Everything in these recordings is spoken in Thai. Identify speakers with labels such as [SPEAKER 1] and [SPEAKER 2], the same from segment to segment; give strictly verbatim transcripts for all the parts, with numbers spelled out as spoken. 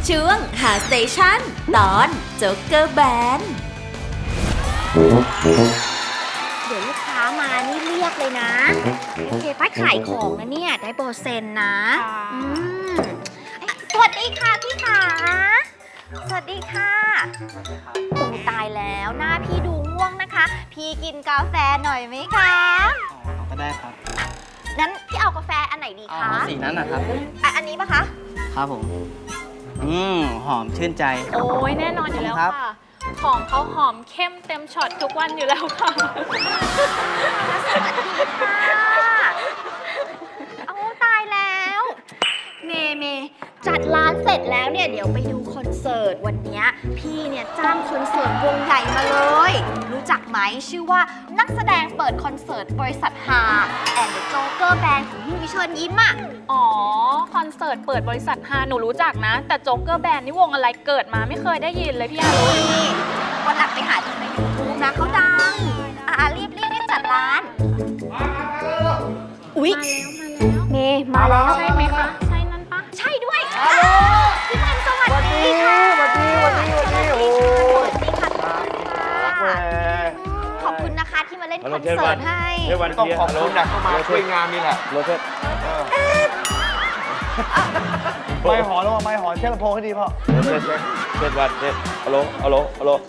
[SPEAKER 1] ช่วงหาสเตชันตอนโจ๊กเกอร์แบน
[SPEAKER 2] เดี๋ยวลูกค้ามานี่เรียกเลยนะโอเคป้าขายของนะเนี่ยได้เปอร์เซ็นต์นะอืมสวัสดีค่ะพี่ขาสวัสดีค่ะโอ้ตายแล้วหน้าพี่ดูง่วงนะคะพี่กินกาแฟหน่อยไหมคะ
[SPEAKER 3] อ๋อก็ได้ครับ
[SPEAKER 2] งั้นพี่เอากาแฟอันไหนดีคะ
[SPEAKER 3] อ๋อสีนั้นนะครับ
[SPEAKER 2] อ่ะอันนี้ปะคะ
[SPEAKER 3] ครับผมอืมหอมชื่นใจ
[SPEAKER 4] โอ้ยแน่นอนอยู่แล้วค่ะ ของเขาหอมเข้มเต็มช็อตทุกวันอยู่แล้วค่ะ
[SPEAKER 2] สวัสดีค่ะเอาตายแล้วเมเมจัดร้านเสร็จแล้วเนี่ยเดี๋ยวไปดูคอนเสิร์ตวันนี้พี่เนี่ยจ้างคอนเสิร์ตวงใหญ่มาเลยรู้จักไหมชื่อว่านักแสดงเปิดคอนเสิร์ตบริษัทฮาแอนด์โจ๊กเกอร์แบนด์ของพี่วิเชิญยิ้มอ่ะ
[SPEAKER 4] อ๋อคอนเสิร์ตเปิดบริษัทฮาหนูรู้จักนะแต่โจ๊กเกอร์แบนด์นี่วงอะไรเกิดมาไม่เคยได้ยินเลยพี่อารุณ
[SPEAKER 2] นี่วันหลังไปหาดูในยูทูบนะเขาดังอ่ะรีบรีบรีบจัดร้านอุ๊ยเมมาแล้ว
[SPEAKER 4] ใช่ไหมคะใช่นั่นปะ
[SPEAKER 2] ใช่ด้วยพี่พันสวัสดีค่ะ
[SPEAKER 5] สวัสดีสวัสดีสวัสดีโอ้
[SPEAKER 2] ยขอบคุณนะคะที่มาเล่นคอนเสิร์ตให้
[SPEAKER 5] ต้องขอบคุณนะเข้ามาช่วยงานนี่แหละโรเทสไม่หอนแล้วไม่หอนเช็ดลำโพงให้ดีพ่อ
[SPEAKER 6] เช็ดเช็ดเช็ดวันเช็ดฮัลโหลฮัลโหลฮัลโหล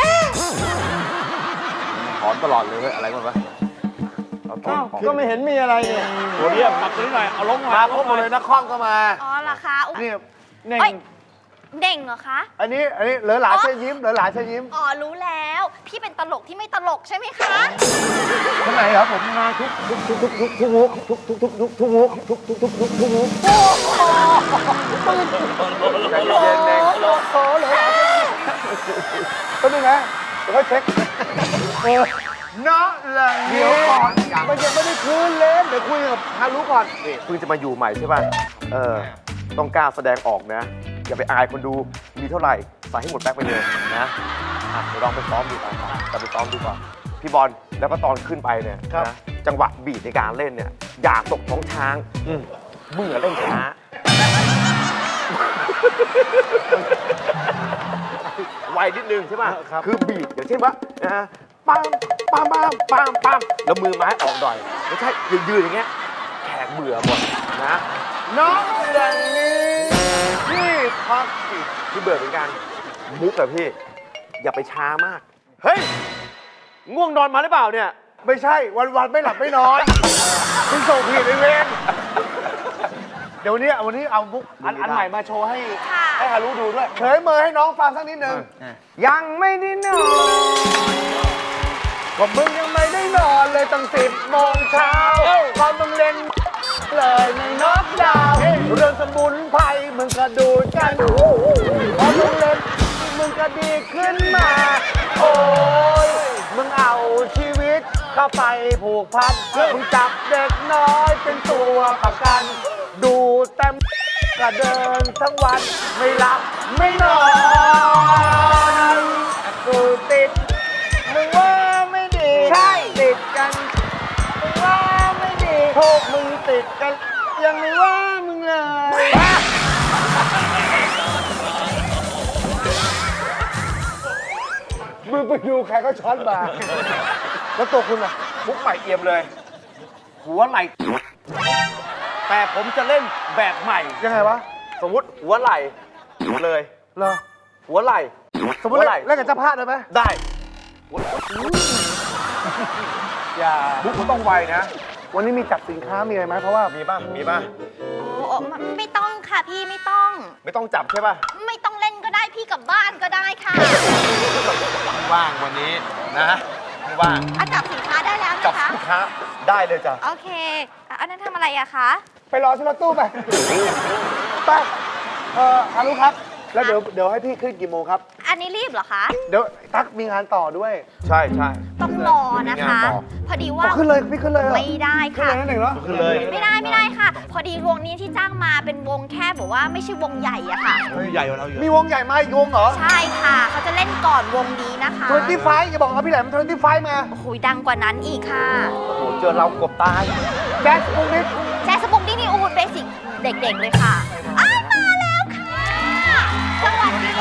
[SPEAKER 6] หอนตลอดเลยเฮ้ยอะไรกันวะ
[SPEAKER 5] ก็ไม่เห็นมีอะไรเนี่ย
[SPEAKER 6] โหเรียบปักตัวนี้หน่อยเอาลงมา
[SPEAKER 5] พบหมดเลยนักคอมก็มา
[SPEAKER 2] อ๋อเหรอคะ
[SPEAKER 5] นี่เน่ง
[SPEAKER 2] เด่งเหรอคะ
[SPEAKER 5] อันนี้อันนี้เหลือหลาเชิญยิ้มเหลือหลาเชิญยิ้ม
[SPEAKER 2] อ๋อรู้แล้วพี่เป็นตลกที่ไม่ตลกใช่ไหมคะ
[SPEAKER 5] คนไหนครับผมมาทุกทุกทุกทุกทุกทุกมุกทุกทุกทุกทุกทุกมุกทุกทุกทุกทุกทุกมุกโอ้โหใจเย็นเน่งโอ้โหเลยก็ดูนะเดี๋ยวค่อยเช็คเออเนาะหลังเดียวก่อนมันยังไม่ได้คืนเล่นเดี๋ยวคุยกับฮารุก่อนนี่เพิ่งจะมาอยู่ใหม่ใช่ป่ะเออต้องกล้าแสดงออกนะอย่าไปอายคนดูมีเท่าไหร่ใส่ให้หมดแบ็คไปเลยนะอ่ะเดี๋ยวลองไปซ้อมดูก่อนจะไปซ้อมดูก่อนพี่บอลแล้วก็ตอนขึ้นไปเนี่ยนะจังหวะบีทในการเล่นเนี่ยอย่าตกท้องช้างมึงอย่าเล่นช้าไวนิดนึงใช่ป่ะคือบีทอย่างเช่นว่านะปั๊มปั๊มปั๊มปั๊มปั๊มแล้วมือไม้ออกหน่อยไม่ใช่ยืนๆอย่างเงี้ยแขกเบื่อหมดนะน้องอย่างนี้พี่พักสิพี่เบื่อเหมือนกันมุกอะพี่อย่าไปช้ามากเฮ้ยง่วงนอนมาหรือเปล่าเนี่ยไม่ใช่วันๆไม่หลับไม่นอนคุณส่งผิดไอเวนเดี๋ยววันนี้วันนี้เอามุกอันอันใหม่มาโชว์ให้ให้ฮารุดูด้วยเฉยเมยให้น้องฟังสักนิดนึงยังไม่ได้นอนก็มึงยังไม่ได้นอนเลยตั้งสิบโมงเช้าตอนมึงเล่นเลยในน็อกดาวน์เรื่องสมุนไพรมึงก็ดูกันพอมึงเล่นมึงก็ดีขึ้นมาโอ้ยมึงเอาชีวิตเข้าไปผูกพันมึงจับเด็กน้อยเป็นตัวประกันดูเต็มก็เดินทั้งวันไม่หลับไม่นอนกูติดมึงว่าไม่ดีใช่ติดกันมึงว่าไม่ดีโทษมึงติดกันยังไม่ว่ามึงเลยมึงไปดูใครก็ช้อนมาแล้วตัวคุณล่ะมุกใหม่เอี่ยมเลยหัวไหล่แต่ผมจะเล่นแบบใหม่ยังไงวะสมมติหัวไหล่เลยเหรอหัวไหล่สมมติเล่นกับเจ้าพาได้ไหมได้อย่ามุกมันต้องไวนะวันนี้มีจัดสินค้ามีอะไรไหมเพราะว่ามีบ้างมีบ้าง
[SPEAKER 2] โอ้ไม่ต้องค่ะพี่ไม่ต้อง
[SPEAKER 5] ไม่ต้องจับใช่ป่ะ
[SPEAKER 2] ไม่ต้องเล่นก็ได้พี่กลับบ้านก็ได้ค่ะ
[SPEAKER 5] ว่างวันนี้นะไม่ว่าง
[SPEAKER 2] จับสินค้าได้แล้วนะคะ
[SPEAKER 5] จับสินค้าได้เลยจ้ะ
[SPEAKER 2] โอเคอันนั้นทำอะไรอะคะ
[SPEAKER 5] ไปรอที่รถตู้ไปไปเอ่อฮารุครับแล้วเดี๋ยวเดี๋ยวให้พี่ขึ้นกี่โมงครับ
[SPEAKER 2] อันนี้รีบเหรอคะ
[SPEAKER 5] เดี๋ยวตั๊กมีงานต่อด้วยใช่ใช่
[SPEAKER 2] ต้องรอนะคะพอดีว่า
[SPEAKER 5] ขึ้นเลยพี่ขึ้นเลย
[SPEAKER 2] ไม่ได้ค่ะ
[SPEAKER 5] ขึ้นเลยนั่นเองเหรอขึ้นเลย
[SPEAKER 2] ไม่ได้ไม่ได้ค่ะพอดีวงนี้ที่จ้างมาเป็นวงแค่แบบว่าไม่ใช่วงใหญ่อะค่ะ
[SPEAKER 5] ใหญ่กว่าเราอยู่มีวงใหญ่มาอีกวงเหรอ
[SPEAKER 2] ใช่ค่ะเขาจะเล่นก่อนวงนี้นะคะ
[SPEAKER 5] ทเวนตี้ไฟว์อย่าบอกว่าพี่แหลมทเวนตี้ไฟว์มา
[SPEAKER 2] โอ้โหดังกว่านั้นอีกค่ะ
[SPEAKER 5] โอ้โหเจอเรากบตายแจ๊สปุกนิด
[SPEAKER 2] แจ๊สปุกนิดนี่โอ้โหเบสิกเด็กๆเลยค่ะอ้าวมาแล้วค่ะโ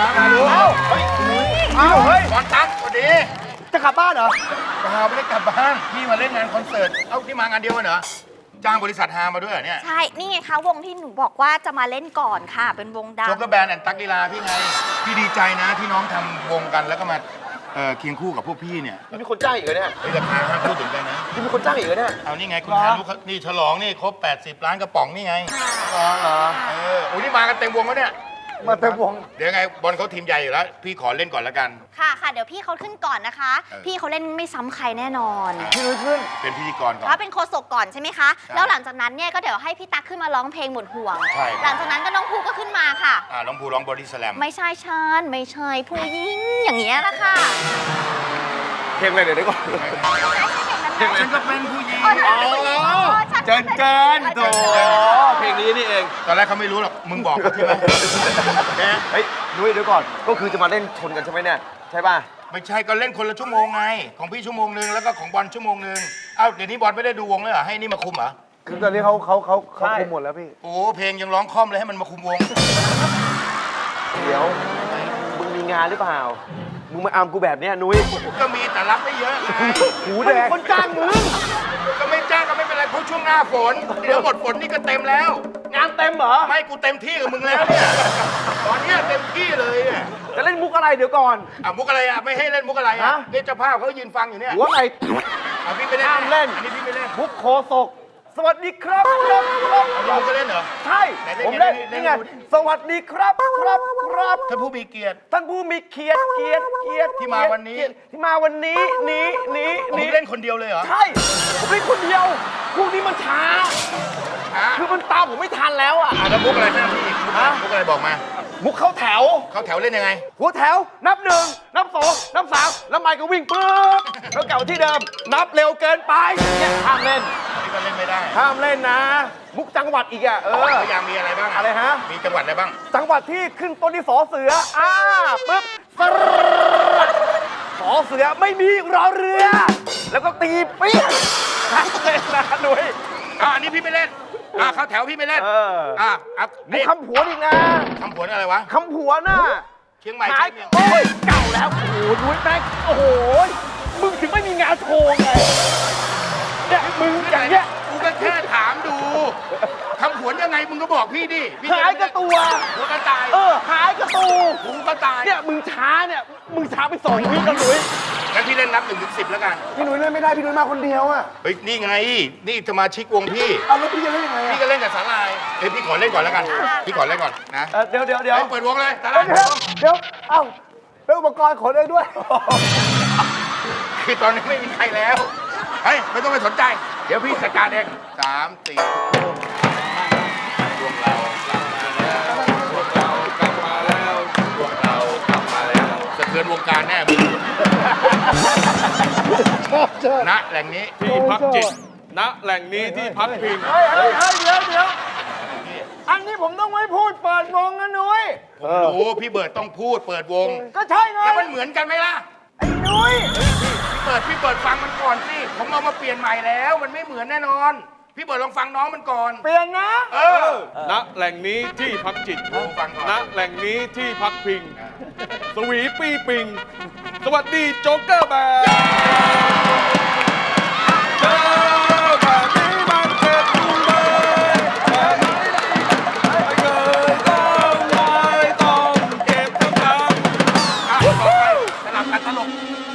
[SPEAKER 5] มาดู
[SPEAKER 7] เอ้า
[SPEAKER 5] เฮ้ย
[SPEAKER 7] เอ้าเฮ้ย
[SPEAKER 5] บอลตั๊กสวัสดี
[SPEAKER 7] จะกลับบ้านเหรอ
[SPEAKER 5] เปล่าไม่ได้กลับบ้าน พี่มาเล่นงานคอนเสิร์ต เอ้าพี่มางานเดียวกันเหรอ จ้างบริษัทฮามาด้วยเหรอเนี่ย
[SPEAKER 2] ใช่ นี่ไงคะวงที่หนูบอกว่าจะมาเล่นก่อนค่ะ เป็นวงดัง
[SPEAKER 5] โจ๊กเกอร์แบนด์แอนด์ตั๊กลีลาพี่ไง พี่ดีใจนะที่น้องทำวงกันแล้วก็มาเอ่อเคียงคู่กับพวกพี่เนี่ย
[SPEAKER 7] นี่มีคนจ้างอีกเหรอเนี่ย
[SPEAKER 5] เฮ้ยราคาห้ามพูดถึงกันนะ
[SPEAKER 7] นี่มีคนจ้างอีกเหรอเนี่ย
[SPEAKER 5] เอานี่ไงคุณฮารุเขานี่ฉลองนี่ครบ แปดสิบ ล้านกระป๋องนี่ไง
[SPEAKER 7] อ๋อเหรอ
[SPEAKER 5] เออโอ้ยนี่มากันเต็มวงแล้วเนี่ย
[SPEAKER 7] มาเต็มวง
[SPEAKER 5] เดี๋ยวไงบอลเขาทีมใหญ่อยู่แล้ว พี่ขอเล่นก่อนแล้วกัน
[SPEAKER 2] ค่ะค่ะ เดี๋ยวพี่เขาขึ้นก่อนนะคะ
[SPEAKER 5] เออ
[SPEAKER 2] พี่เขาเล่นไม่ซ้ำใครแน่นอน
[SPEAKER 7] พี่นุ้ยขึ้น
[SPEAKER 5] เป็นพิธีกรก่อน
[SPEAKER 2] เขาเป็นโคศกก่อนใช่ไหมคะ
[SPEAKER 5] ใช่
[SPEAKER 2] แล้วหลังจากนั้นเนี่ยก็เดี๋ยวให้พี่ตั๊กขึ้นมาร้องเพลงหมดห่วง
[SPEAKER 5] ใช่
[SPEAKER 2] หลังจากนั้นก็น้องภูก็ขึ้นมาค่ะ
[SPEAKER 5] อ่าน้องภูร้องบอดี้สแลม
[SPEAKER 2] ไม่ใช่ชันไม่ใช่ผู้หญิงอย่างเงี้ยละค่ะ
[SPEAKER 7] เพลงอะไรเดี๋ยวนี้ก่อน
[SPEAKER 5] ฉันก็เป็นผู้หญิง
[SPEAKER 2] อ๋อฉันเป็นผู้หญิงอ๋อฉัน
[SPEAKER 7] เจินเกินโถ
[SPEAKER 2] เจินเกิน
[SPEAKER 7] เพลงนี้นี่เอง
[SPEAKER 5] ตอนแรกเขาไม่รู้หรอก มึงบอกเขาใช่ไหมแก
[SPEAKER 7] เฮ้ยนุ้ยเดี๋ยวก่อน ก็คือจะมาเล่นชนกันใช่ไหมเนี่ย ใช่ป่ะ
[SPEAKER 5] ไม่ใช่ก็เล่นคนละชั่วโมงไง ของพี่ชั่วโมงหนึ่งแล้วก็ของบอลชั่วโมงหนึ่งเอ้าเดี๋ยวนี้บอลไม่ได้ดูวงเลยเหรอ ให้นี่มาคุมเหรอ
[SPEAKER 8] คือตอนนี้เขาเขาเขาเขา
[SPEAKER 7] ใช่
[SPEAKER 8] คุมหมดแล้วพี่
[SPEAKER 5] โอ้เพลงยังร้องคล่อมเลยให้มันมาคุมวง
[SPEAKER 7] เดี๋ยว มึงมีงานหรือเปล่า มึงมาอามกูแบบเนี้ยนุ้ย
[SPEAKER 5] ก็มีแต่รับไม่เยอะไง
[SPEAKER 7] หูแดงคนจ้างมึง
[SPEAKER 5] ก็ไม่จ้างก็ไม่เป็นไรเพราะช่วงหน้าฝน เดี๋ยวหมดฝนนี่ก็เต็มแล้ว
[SPEAKER 7] งานเต็มเหรอ
[SPEAKER 5] ไม่กูเต็มที่กับมึงแล้วเนี่ยตอนเนี้ยเต็มที่เลยเนี่ย
[SPEAKER 7] จะเล่นมุกอะไรเดี๋ยวก่อน
[SPEAKER 5] อ่ะมุกอะไรอ่ะไม่ให้เล่นมุกอะไรอ่ะ
[SPEAKER 7] ฮะ
[SPEAKER 5] เนี่ยเจ้าภาพเขายืนฟังอยู่เนี่ย
[SPEAKER 7] หัวไง
[SPEAKER 5] อ่ะพี่ไม่เล่น
[SPEAKER 7] ห้ามเล่น
[SPEAKER 5] อันนี้พี่ไม่เล่น
[SPEAKER 7] มุกโคศก สวัสดีครับครับครับ
[SPEAKER 5] เราก็เล่นเหรอ
[SPEAKER 7] ใช่
[SPEAKER 5] ไหนเล่น
[SPEAKER 7] ผม
[SPEAKER 5] ไง
[SPEAKER 7] เล่น
[SPEAKER 5] เล่น
[SPEAKER 7] นี่ไง
[SPEAKER 5] ดูดิ
[SPEAKER 7] สวัสดีครับครับครับ
[SPEAKER 5] ท่านผู้มีเกียรติ
[SPEAKER 7] ท่านผู้มีเกียรติเกียรติเกียรติ
[SPEAKER 5] ที่มาวันนี้
[SPEAKER 7] เกียรติที่มาวันนี้นี้นี้
[SPEAKER 5] ผม
[SPEAKER 7] นี้
[SPEAKER 5] เล่นคนเดียวเลยเหรอ
[SPEAKER 7] ใช่ ผมเล่นคนเดียว พวกนี้มันช้า
[SPEAKER 5] อ่ะ
[SPEAKER 7] คือมันตามผมไม่ทันแล้วอ่ะ
[SPEAKER 5] อ่ะแล้วมุกอะไรหน้าพี่มุกอะไร
[SPEAKER 7] ฮะ
[SPEAKER 5] มุกอะไรบอกมา
[SPEAKER 7] มุกเข้าแถว
[SPEAKER 5] เขาแถวเล่นยังไง
[SPEAKER 7] หัวแถว นับหนึ่ง นับสอง นับสามแล้วไมค์ก็วิ่งปุ๊บแล้วเก่าที่เดิม นับเร็วเกินไปเนี่ยห้ามเล่น
[SPEAKER 5] นี่ก็เล่นไม่ได้
[SPEAKER 7] ห้ามเล่นนะ มุกจังหวัดอีกอ่ะ เออ
[SPEAKER 5] พยายามมีอะไรบ้าง
[SPEAKER 7] อะไรฮะ
[SPEAKER 5] มีจังหวัดอะไรบ้าง
[SPEAKER 7] จังหวัดที่ขึ้นต้นที่สอเสือ อ่าปึ๊บสรดสอเสือไม่มีรอเรือ แล้วก็ตีเปี้ยนเล่นนะหนุ่ย
[SPEAKER 5] อ่ะอันนี้พี่ไม่เล่น อ่ะเขาแถวพี่ไม่เล่น
[SPEAKER 7] เออ
[SPEAKER 5] อ่ะอ่ะ
[SPEAKER 7] มุกคำผวนอีกนะ
[SPEAKER 5] คำผวนอะไรวะ
[SPEAKER 7] คำผวนน่ะ
[SPEAKER 5] เชียงใหม่
[SPEAKER 7] หาย
[SPEAKER 5] เชียง
[SPEAKER 7] โอ้ยเก่าแล้ว โอ้โหนุ้ยแม่งโอ้โห มึงถึงไม่มีงานโชว์ไง เนี่ยมึงอย่างเงี้ย
[SPEAKER 5] กูก็แค่ถามดูคำผวนยังไงมึงก็บอกพี่ดิพี่จะ
[SPEAKER 7] หายกระตัว
[SPEAKER 5] หัวกระต่าย
[SPEAKER 7] เออ หายกระตู
[SPEAKER 5] หูกระต่าย
[SPEAKER 7] เนี่ยมึงช้าเนี่ย มึงช้าไปสองวิแล้วนุ้ย
[SPEAKER 5] งั้นพี่เล่นนับหนึ่งถึงสิบแล้วกัน
[SPEAKER 8] พี่หนุ่ยเล่นไม่ได้ พี่หนุ่ยมาคนเดียวอ่ะ
[SPEAKER 5] เฮ้ย นี่ไง นี่สมาชิกวงพี่
[SPEAKER 8] เอาแล้วพี่จะเล่นยังไง
[SPEAKER 5] พี่
[SPEAKER 8] อ่ะ
[SPEAKER 5] ก็เล่นกับสาลายเฮ้ยพี่ขอเล่นก่อนแล้วกัน พี่ขอเล่นก่อนนะ
[SPEAKER 7] เออเดี๋ยวเดี๋ยวเดี๋ยว
[SPEAKER 5] เฮ้ยเปิดวงเลยสา
[SPEAKER 8] เดี๋
[SPEAKER 5] ลาย
[SPEAKER 8] ยวเดี๋ยวเอ้าเป็นอุปกรณ์ขนเองด้วย
[SPEAKER 5] คือตอนนี้ไม่มีใครแล้ว เฮ้ย ไม่ต้องไปสนใจ เดี๋ยวพี่จัดการเองสามสี่ดวงเรากลับมาแล้วดวงเรากลับมาแล้วดวงเรากลับมาแล้วสะเทือนวงการแน่มึงณแหล่งนี้
[SPEAKER 6] ที่พักจิต ณ แหล่งนี้ที่พักพิง
[SPEAKER 7] เฮ้ยเฮ้ยเฮ้ยเดี๋ยวเดี๋ยวอันนี้ผมต้องไว้พูดเปิดวงนะนุ้ย
[SPEAKER 5] ผมรู้พี่เบิร์ดต้องพูดเปิดวง
[SPEAKER 7] ก็ใช่ไง
[SPEAKER 5] แล้วมันเหมือนกันไหมล่ะ
[SPEAKER 7] ไอ้นุ้ย
[SPEAKER 5] พี่เปิดพี่เปิดฟังมันก่อนสิผมเอามาเปลี่ยนใหม่แล้ว มันไม่เหมือนแน่นอน พี่เปิดลองฟังน้องมันก่อน
[SPEAKER 7] เปลี่ยนนะ
[SPEAKER 5] เออ
[SPEAKER 6] ณ แหล่งนี้ที่พักจิต
[SPEAKER 5] ลองฟังก่อน
[SPEAKER 6] ณ แหล่งนี้ที่พักพิง สวีปี้ปิง สวัสดีโจ๊กเกอร์แบนเจอแบบนี้มันเจ็บจุงเบยแบบนี้ไม่เคยต้องไว้ต้องเก็บทั้งคำ
[SPEAKER 5] อ่ะต่อไปสลับกันตลก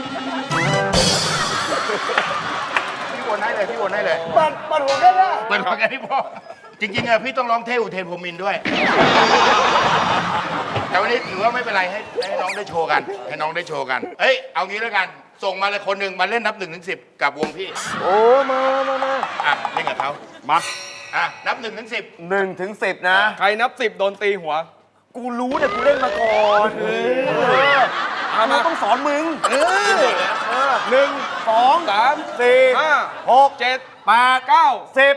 [SPEAKER 5] พี่วนให้เลยพี่วนให้เลย
[SPEAKER 8] ปัดปัดหัวกันนะ
[SPEAKER 5] เปิดฟังกันที่พ่อจริงๆอะพี่ต้องร้องเทอุเทนพรหมินทร์ด้วย แต่วันนี้ถือว่าไม่เป็นไรให้ให้น้องได้โชว์กัน ให้น้องได้โชว์กัน เอ้ยเอางี้แล้วกัน ส่งมาเลยคนหนึ่งมาเล่นนับหนึ่งถึงสิบกับวงพี่
[SPEAKER 8] โอ้มามามา
[SPEAKER 5] อ่ะเล่นกับเขา
[SPEAKER 6] มา
[SPEAKER 5] อ่ะนับหนึ่งถึงสิบ
[SPEAKER 7] หนึ่งถึงสิบนะ
[SPEAKER 6] ใครนับสิบโดนตีหัว
[SPEAKER 7] กูรู้เนี่ยกูเล่นมาก่อนเออ
[SPEAKER 6] เอา
[SPEAKER 7] กู
[SPEAKER 6] มา
[SPEAKER 7] ต้องสอนมึง เออ
[SPEAKER 6] หนึ่ง
[SPEAKER 7] สอง
[SPEAKER 6] สาม
[SPEAKER 7] สี่
[SPEAKER 6] ห้า
[SPEAKER 7] หก
[SPEAKER 6] เจ็ด
[SPEAKER 7] แปด
[SPEAKER 6] เก้า
[SPEAKER 7] สิบ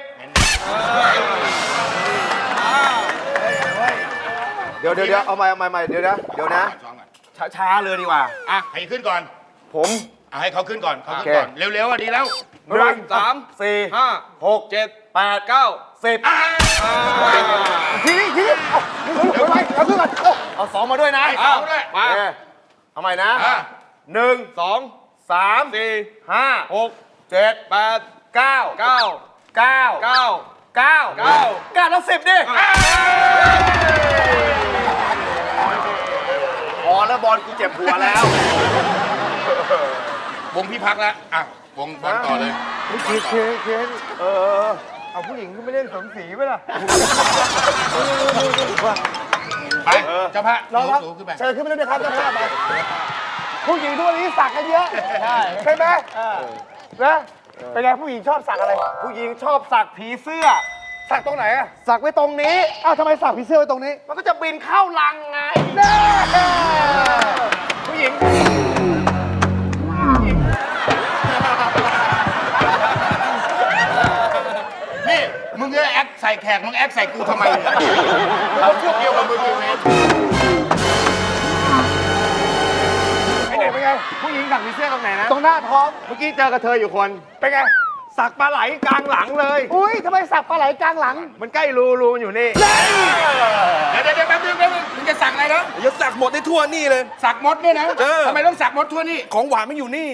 [SPEAKER 8] เดี๋ยวเดี๋ยวเดี๋ยวเอาใหม่เอาใหม่ใหม่เดี๋ยวนะเดี๋ยวนะ
[SPEAKER 5] ซ้อมก่อน
[SPEAKER 7] ช้าช้าๆเลยดีกว่า
[SPEAKER 5] อ่ะให้ขึ้นก่อน
[SPEAKER 7] ผม
[SPEAKER 5] อ่ะให้เขาขึ้นก่อนเขาขึ้น
[SPEAKER 7] โอเค
[SPEAKER 5] ก่อน เร็วๆอ่ะดีแล้ว
[SPEAKER 7] หนึ่ง
[SPEAKER 6] สาม
[SPEAKER 7] สี่
[SPEAKER 6] ห้า
[SPEAKER 7] หก
[SPEAKER 6] เจ็ด
[SPEAKER 7] แปด
[SPEAKER 6] เก้า
[SPEAKER 7] สิบ
[SPEAKER 5] อ่ะ
[SPEAKER 8] ทีนี้ทีนี้เอาเดี๋ยวไปเอาขึ้นก่อนเอาเอาสองมาด้วยนะ
[SPEAKER 6] เอาสองด้วยมา
[SPEAKER 8] โอเคเอาใหม่นะ
[SPEAKER 6] อ่ะ
[SPEAKER 8] หนึ่ง
[SPEAKER 6] สอง
[SPEAKER 8] สาม
[SPEAKER 6] สี่
[SPEAKER 8] ห้า
[SPEAKER 6] หก
[SPEAKER 8] เจ็ด
[SPEAKER 6] แปด
[SPEAKER 8] เก้า
[SPEAKER 6] เก้า
[SPEAKER 8] เก้า
[SPEAKER 6] เก้า
[SPEAKER 8] เก้า
[SPEAKER 6] เก้า
[SPEAKER 8] เก้าแล้วสิบดิพอแล้วบอลกูเจ็บหัวแล้ว
[SPEAKER 6] วงพี่พักแล้ว อ่ะ วงบอลต่อเลย
[SPEAKER 8] เคนเคนเคนเออ เอาผู้หญิงขึ้นไปเล่นสมศรีไหมล่ะ
[SPEAKER 6] ไป เจ้าพระ
[SPEAKER 8] น้องครับ
[SPEAKER 6] สูงขึ้นไป
[SPEAKER 8] เชิญขึ้นไปเล่นด้วยครับเจ้าภาพไปผู้หญิงทุกวันนี้สักกันเยอะ ใช่ใช่ไหมนะเป็นไงผู้หญิงชอบสักอะไร ผู้หญิงชอบสักผีเสื้อ สักตรงไหนอะสักไว้ตรงนี้ อ้าวทำไมสักผีเสื้อไว้ตรงนี้ มันก็จะบินเข้ารังไงแน่ผู้หญิง
[SPEAKER 6] นี่ มึงจะแอคใส่แขก มึงแอคใส่กูทำไมเนี่ยเราพวกเดียวกับมึงอยู่ไง
[SPEAKER 8] ไอ้เด็กเป็นไง ผู้หญิงสักผีเสื้อตรงไหนนะ ตรงหน้าท้อง เมื่อกี้เจอกระเทยอยู่คน เป็นไง สักปลาไหลกลางหลังเลย อุ้ยทำไมสักปลาไหลกลางหลัง มันใกล้รูรูมันอยู่นี่
[SPEAKER 6] เดี๋ยวเดี๋ยวเดี๋ยวแป๊บนึงแป๊บนึงมึงจะสั่งอะไรนะ
[SPEAKER 7] อย่าสักหมดได้ทั่วนี่เลย
[SPEAKER 6] สักมดเนี่ยนะ
[SPEAKER 7] เออ
[SPEAKER 6] ทำไมต้องสักมดทั่วนี่
[SPEAKER 7] ของหวานไม่อยู่นี่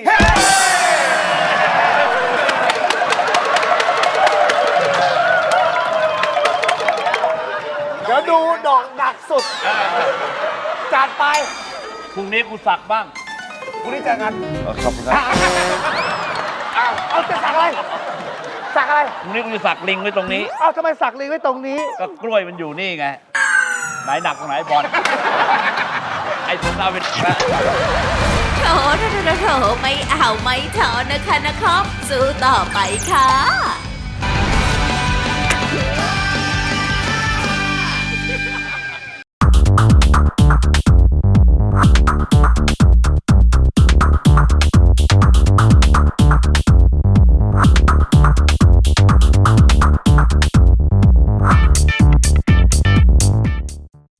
[SPEAKER 8] เดี๋ยวดูดอกดักสุด จัดไป
[SPEAKER 9] พรุ่งนี้กูสักบ้าง
[SPEAKER 8] พรุ่งนี้เจอกันขอบคุณครับอ้าวเอาจะสักอะไร สักอะไร
[SPEAKER 9] พรุ่งนี้กูจะสักลิงไว้ตรงนี้
[SPEAKER 8] เอาทำไมสักลิงไว้ตรงนี้
[SPEAKER 9] ก็กล้วยมันอยู่นี่ไง ไหนหนักตรงไหนบอล ไอ้ผมเอาเป็นนะ
[SPEAKER 1] โถโถโถโถไม่เอาไม่ถอนนะคะนะครับ สู้ต่อไปค่ะ